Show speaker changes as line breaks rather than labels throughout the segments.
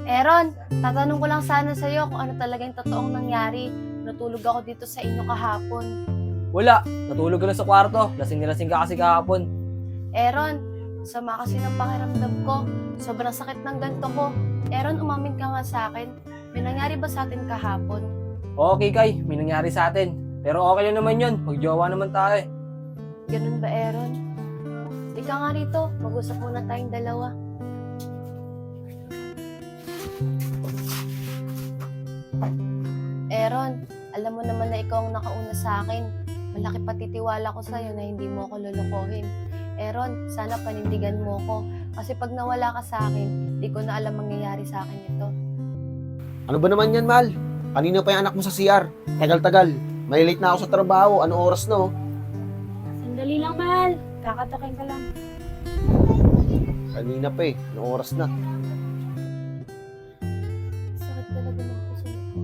Aaron, tatanong ko lang sana sa'yo kung ano talaga yung totoong nangyari. Natulog ako dito sa inyo kahapon.
Wala, natulog ka lang sa kwarto. Lasing na lasing ka kasi kahapon.
Aaron, sama kasi ng pakiramdam ko. Sobrang sakit ng ganto ko. Aaron, umamin ka nga sa akin. May nangyari ba sa atin kahapon?
Okay, Kay, may nangyari sa atin. Pero okay lang naman yun. Magjowa naman tayo.
Ganun ba, Aaron? Ika nga rito, mag-usap muna tayong dalawa. Aaron, alam mo naman na ikaw ang nakauna sa akin. Malaki patitiwala ko sa'yo na hindi mo ako lulukohin. Aaron, sana panindigan mo ko. Kasi pag nawala ka sa akin, di ko na alam mangyayari sa akin ito.
Ano ba naman yan, Mal? Kanina pa yung anak mo sa CR. Tagal-tagal. May late na ako sa trabaho. Anong oras na, oh?
Sandali lang, mahal. Kakatakin ka lang.
Kanina pa eh. Anong oras na?
Sakit talaga ng puso ko.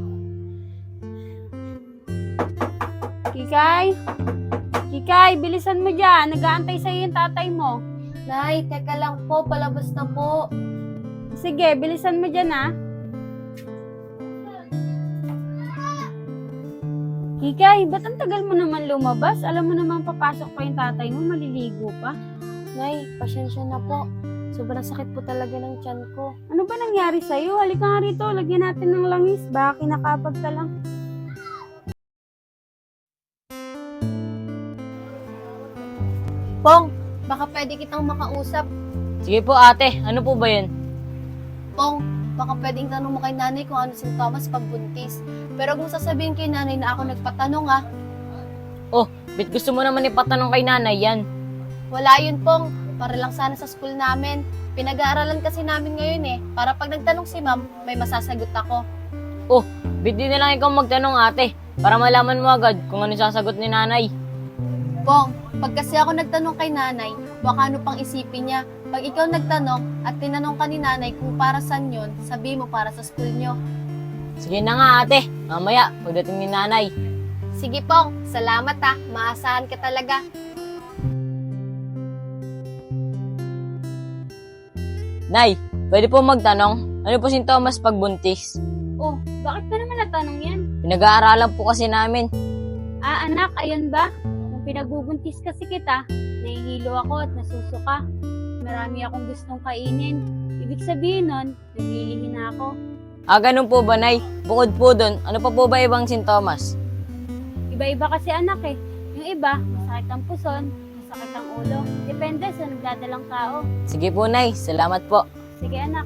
Kikay? Kikay, bilisan mo dyan. Nag-aantay sa'yo yung tatay mo.
Nay, teka lang po, palabas na po.
Sige, bilisan mo dyan, ha? Kikay, ba't ang tagal mo naman lumabas? Alam mo naman papasok pa yung tatay mo, maliligo pa.
Nay, pasensya na po. Sobrang sakit po talaga ng tiyan ko.
Ano ba nangyari sa'yo? Halika nga rito, lagyan natin ng langis. Baka kinakabag ka lang.
Pong, baka pwede kitang makausap.
Sige po ate, ano po ba yun?
Pong, baka pwedeng tanong mo kay nanay kung ano sintomas pagbuntis. Pero kung sasabihin kay nanay na ako nagpatanong
Bit gusto mo naman ipatanong kay nanay yan?
wala yun Pong. Para lang sana sa school namin. Pinag-aaralan kasi namin ngayon para pag nagtanong si ma'am, may masasagot ako.
Bit di na lang ikaw magtanong ate, para malaman mo agad kung ano sasagot ni nanay.
Pong, pag kasi ako nagtanong kay nanay, baka ano pang isipin niya. Pag ikaw nagtanong at tinanong ka ni nanay kung para saan yun, sabi mo para sa school nyo.
Sige na nga ate, mamaya pagdating ni nanay.
Sige Pong, salamat maasahan ka talaga.
Nay, pwede po magtanong, ano po sintomas pagbuntis?
Oh, bakit ka naman natanong yan?
Pinag-aaralan po kasi namin.
Ah, anak, ayun ba? Nung pinagbubuntis kasi kita, nahihilo ako at nasusuka. Marami akong gustong kainin. Ibig sabihin nun, naglilihi na ako.
Ganun po ba nay? Bukod po dun, ano pa po ba ibang sintomas?
Iba-iba kasi anak eh. Yung iba, masakit ang puson, masakit ang ulo. Depende sa nagdadalang tao.
Sige po nay, salamat po.
Sige anak.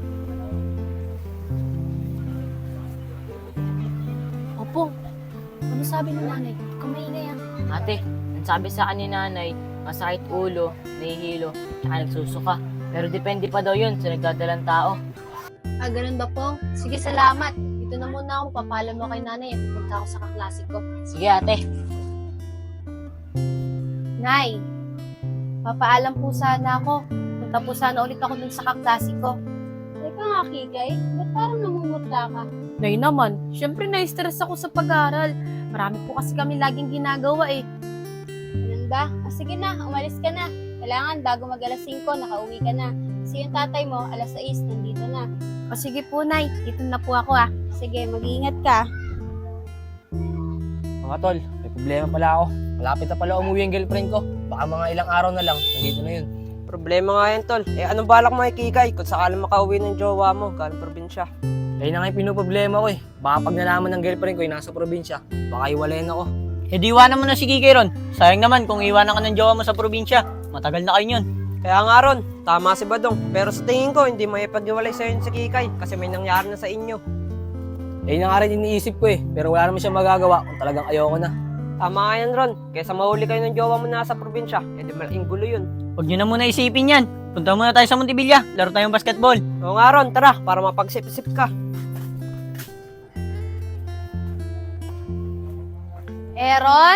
Opo, ano sabi ni nanay? Kumaingay
Ate, ang sabi sa akin ni nanay, masakit ulo, nahihilo, tsaka nagsusuka. Pero depende pa daw yun sa nagdadalang tao.
Ganun ba Pong? Sige, salamat. Dito na muna ako, papaalam mo kay nanay pupunta ako sa kaklase ko.
Sige ate.
Nay, papaalam po sana ako. Punta po sana ulit ako dun sa kaklase ko.
Teka nga, Kikay. Ba't parang namumutla ka?
Nay naman, syempre na-stress ako sa pag-aaral. Marami po kasi kami laging ginagawa
Ganun ba? Sige na, umalis ka na. Kailangan bago mag alas 5, nakauwi ka na. Kasi yung tatay mo, alas 6, nandito na.
O sige po, Nay. Dito na po ako
Sige, mag-iingat ka.
Mga tol, may problema pala ako. Malapit na pala umuwi ang girlfriend ko. Baka mga ilang araw na lang, nandito na yun.
Problema nga yan, tol. Anong balak mo kay Kikay kung sakaling makauwi ng jowa mo galing probinsya?
Ayun na nga yung pinoproblema ko Baka pag nalaman ng girlfriend ko yung nasa probinsya, baka iwalayan ako.
Di iwanan mo na si Kikay ron. Sayang naman kung iwanan ka ng jowa mo sa probinsya. Matagal na kayo yun.
Kaya nga ron, tama si Badong. Pero sa tingin ko, hindi maipag-iwalay sa'yo si Kikay kasi may nangyari na sa inyo.
Ayun na nga rin iniisip ko pero wala naman siya magagawa kung talagang ayoko na.
Tama nga yan, Ron. Kaysa mahuli kayo ng jowa mo nasa probinsya, di malaking gulo yun.
Huwag nyo na muna isipin yan. Punta muna tayo sa Montevilla. Laro tayong basketball.
Oo nga, Ron. Tara, para mapagsip-sip ka.
Aaron?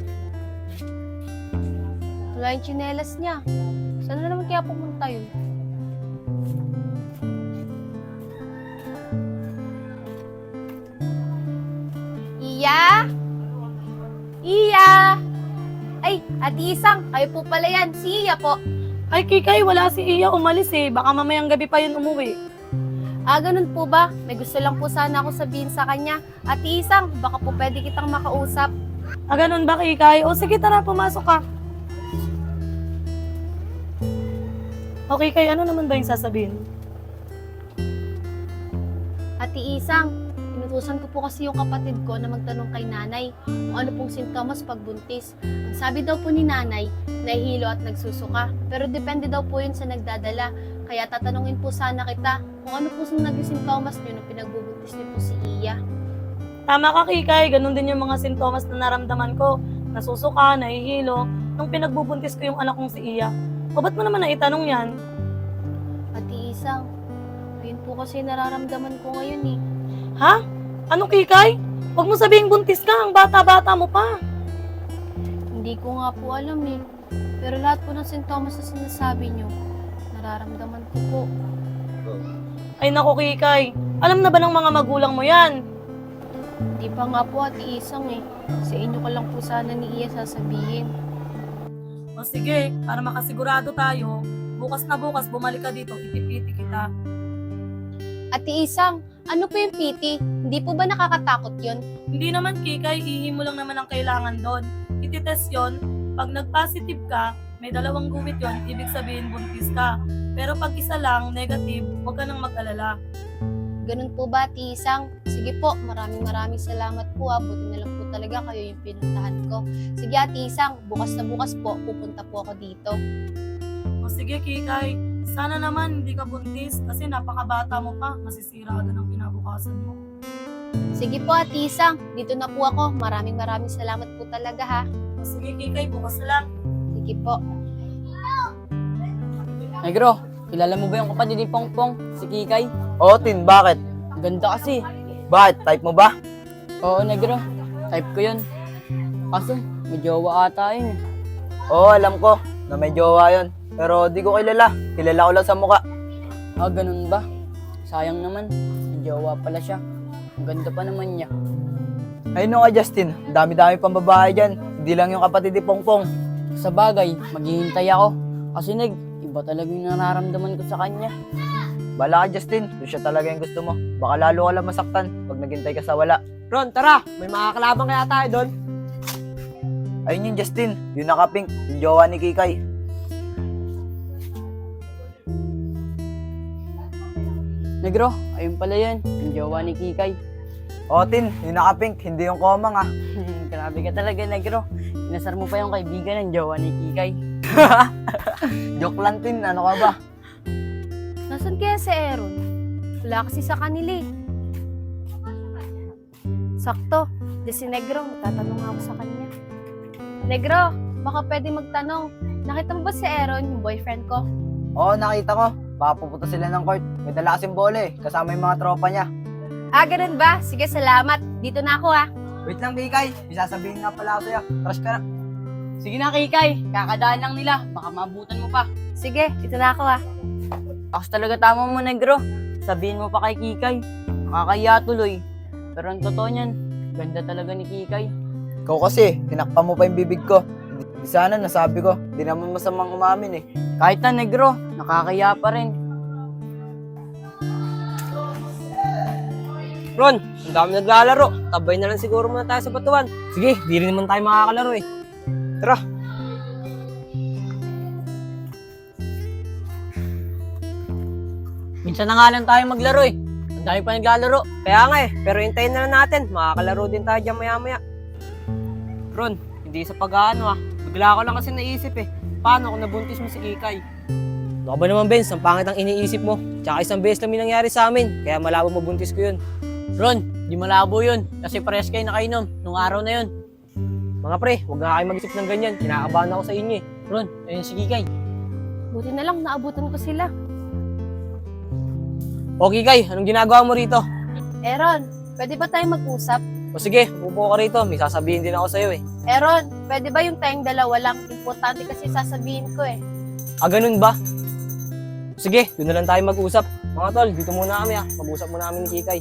Wala yung tsinelas niya. Saan na naman kaya pumunta yun? Iya? Iya! Ay, Ate Isang, kayo po pala yan. Si Iya po.
Ay, Kikay, wala si Iya umalis Baka mamayang gabi pa yun umuwi.
Ganun po ba? May gusto lang po sana ako sabihin sa kanya. Ate Isang, baka po pwede kitang makausap.
Ganun ba, Kikay? O sige, tara, pumasok ka. Okay, Kay, ano naman ba yung sasabihin?
Ate Isang, inutusan ko po kasi yung kapatid ko na magtanong kay nanay kung ano pong sintomas pagbuntis. Ang sabi daw po ni nanay, nahihilo at nagsusuka. Pero depende daw po yun sa nagdadala. Kaya tatanungin po sana kita kung ano po yung naging sintomas niyo nung pinagbubuntis niyo po si Iya.
Tama ka, Kikay. Ganun din yung mga sintomas na naramdaman ko. Nasusuka, nahihilo, nung pinagbubuntis ko yung anak kong si Iya. O ba't mo naman naitanong yan?
Ate Isang, yun po kasi nararamdaman ko ngayon eh.
Ha? Ano, Kikay? Huwag mo sabihing buntis ka, ang bata-bata mo pa.
Hindi ko nga po alam eh. Pero lahat po ng sintomas na sinasabi niyo, nararamdaman ko po.
Ay naku, Kikay. Alam na ba ng mga magulang mo yan?
Hindi pa nga po Ate Isang eh. Sa inyo ko lang po sana ni Iya sasabihin.
O sige, para makasigurado tayo, bukas na bukas bumalik ka dito, ipipiti kita.
Ate Isang, ano po yung PT? Hindi po ba nakakatakot yun?
Hindi naman, Kikay, ihi mo lang naman ang kailangan doon. Ititest yon. Pag nag-positive ka, may 2 guhit yon, ibig sabihin buntis ka. Pero pag isa lang, negative, huwag ka nang mag-alala.
Ganun po ba, Ate Isang? Sige po, maraming salamat po ah. Buti na lang po talaga kayo yung pinuntahan ko. Sige Ate Isang, bukas na bukas po, pupunta po ako dito.
O sige, Kikay, sana naman hindi ka buntis kasi napakabata mo pa, masisira agad ang kinabukasan mo.
Sige po Ate Isang, dito na po ako. Maraming salamat po talaga ha.
O sige, Kikay, bukas na lang.
Sige po.
Negro, kilala mo ba yung kapatid ni Pongpong, si Kikay?
Oo, Tin, bakit?
Ganda kasi.
Bakit? Type mo ba?
Oo, Negro. Type ko yun. Kaso, may jowa ata yun eh.
Oo, alam ko na may jowa yun. Pero di ko kilala. Kilala ko lang sa muka.
Ganun ba? Sayang naman. May jowa pala siya. Ang ganda pa naman niya.
Ay no ka, Justin. Ang dami-dami pang babae dyan. Hindi lang yung kapatid ni Pongpong.
Sa bagay, maghihintay ako. Kasi iba talaga yung nararamdaman ko sa kanya.
Bala ka, Justin. Kung siya talaga yung gusto mo. Baka lalo ka lang masaktan pag naghintay ka sa wala.
Ron, tara! May makakalabang kaya tayo doon.
Ayun yung Justin. Yung nakapink. Yung jowa ni Kikay.
Negro, ayun pala yan. Yung jowa ni Kikay.
Oo, Tin. Yung nakapink. Hindi yung komang ah.
Grabe ka talaga, Negro. Inasar mo pa yung kaibigan ng jowa ni Kikay.
Joke lang, Tin. Ano ka ba?
Nasaan kaya si Aaron? Wala kasi sa kanila eh. Sakto, di si Negro, magtatanong ako sa kanya. Negro, baka pwede magtanong. Nakita mo ba si Aaron, yung boyfriend ko?
Oo, nakita ko. Baka pupunta sila ng court. May dala kasing bola eh. Kasama yung mga tropa niya.
Ganun ba? Sige, salamat. Dito na ako ha.
Wait lang, Kikay. May sasabihin nga pala ako sa'yo. Crush ka na.
Sige na, Kikay. Kakadaan lang nila. Baka maabutan mo pa.
Sige, dito na ako ha.
Ako talaga tama mo, Negro. Sabihin mo pa kay Kikay. Nakakaya tuloy. Pero ang totoo niyan, ganda talaga ni Kikay.
Ikaw kasi, tinakpan mo pa yung bibig ko. Di sana nasabi ko. Di naman masamang umamin eh.
Kahit na, Negro, nakakaya pa rin.
Ron, ang dami naglalaro. Tabay na lang siguro muna tayo sa batuan.
Sige, di rin naman tayo makakalaro eh.
Tara.
Minsan na nga lang tayo maglaro eh. Ang dami pa naglalaro.
Kaya nga eh, pero hintayin na lang natin. Makakalaro din tayo dyan maya-maya. Ron, hindi sa pag-aano ah. Bigla ko lang kasi naisip eh. Paano kung nabuntis mo si Kikay?
Ano ka ba naman, Benz? Ang pangit ang iniisip mo. Tsaka isang beses lang yung nangyari sa amin. Kaya malabo mabuntis ko yun.
Ron, di malabo yun. Kasi parehas kayo nakainom nung araw na yun.
Mga pre, huwag nga kayo mag-isip ng ganyan. Kinakabahan ako sa inyo eh.
Ron, ayun si Kikay.
Buti na lang, naabutan ko sila.
Okay, Kay, anong ginagawa mo rito?
Aaron, pwede ba tayo mag-usap?
O sige, upo ka rito. May sasabihin din ako sa'yo eh.
Aaron, pwede ba yung tayong dalawa lang? Importante kasi sasabihin ko eh.
Ganun ba? Sige, doon na lang tayo mag-usap. Mga tol, dito muna kami ah. Mag-usap muna kami ni Kikay.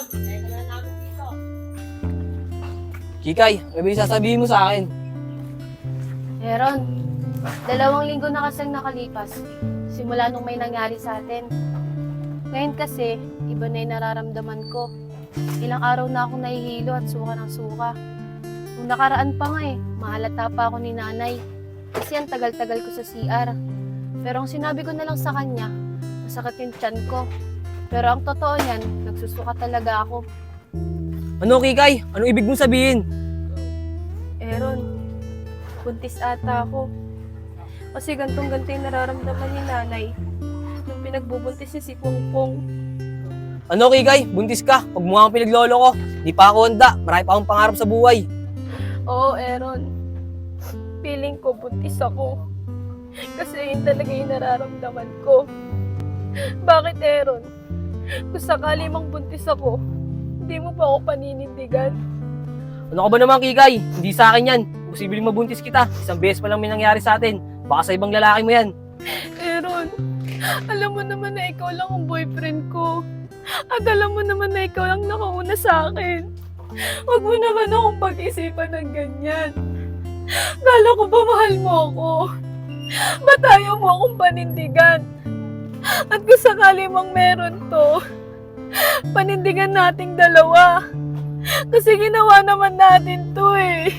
Kikay, may ba yung sasabihin mo sa akin?
Aaron, 2 linggo na kasing nakalipas. Simula nung may nangyari sa atin. Ngayon kasi, iba na yung nararamdaman ko. Ilang araw na akong nahihilo at suka ng suka. Nung nakaraan pa nga mahalata pa ako ni nanay. Kasi ang tagal-tagal ko sa CR. Pero ang sinabi ko na lang sa kanya, masakit yung tiyan ko. Pero ang totoo niyan, nagsusuka talaga ako.
Ano, Kikay? Ano ibig mong sabihin?
Aaron, buntis ata ako. Kasi gantong-ganto yung nararamdaman ni nanay nung pinagbubuntis niya si Pongpong.
Ano, Kikay? Buntis ka. Huwag mo nga akong pinaglolo ko. Di pa ako handa. Marami pa akong pangarap sa buhay.
Oo, Aaron. Feeling ko buntis ako. Kasi yun talaga yung nararamdaman ko. Bakit, Aaron? Kung sakali mang buntis ako, hindi mo pa ako paninindigan.
Ano ka ba naman, Kikay? Hindi sa akin yan. Posibleng mabuntis kita. Isang beses pa lang may nangyari sa atin. Baka sa ibang lalaki mo yan.
Aaron, alam mo naman na ikaw lang ang boyfriend ko. At alam mo naman na ikaw lang nakauna sa akin. Huwag mo naman akong pag-isipan ng ganyan. Kala ko ba mahal mo ako? Ba't ayaw mo akong panindigan? At kung sakali mang meron to, panindigan nating dalawa. Kasi ginawa naman natin to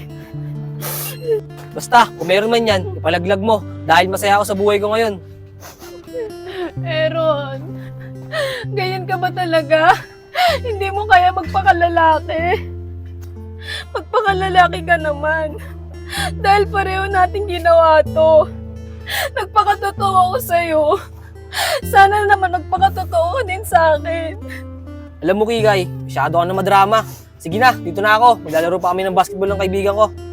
Basta, kung meron man yan, ipalaglag mo. Dahil masaya ako sa buhay ko ngayon.
Aaron, ganyan ka ba talaga? Hindi mo kaya magpakalalaki? Magpakalalaki ka naman. Dahil pareho natin ginawa to. Nagpakatotoo ako sa'yo. Sana naman nagpakatotoo ka din sa akin.
Alam mo, Kikay, masyado ka na madrama. Sige na, dito na ako. Maglalaro pa kami ng basketball ng kaibigan ko.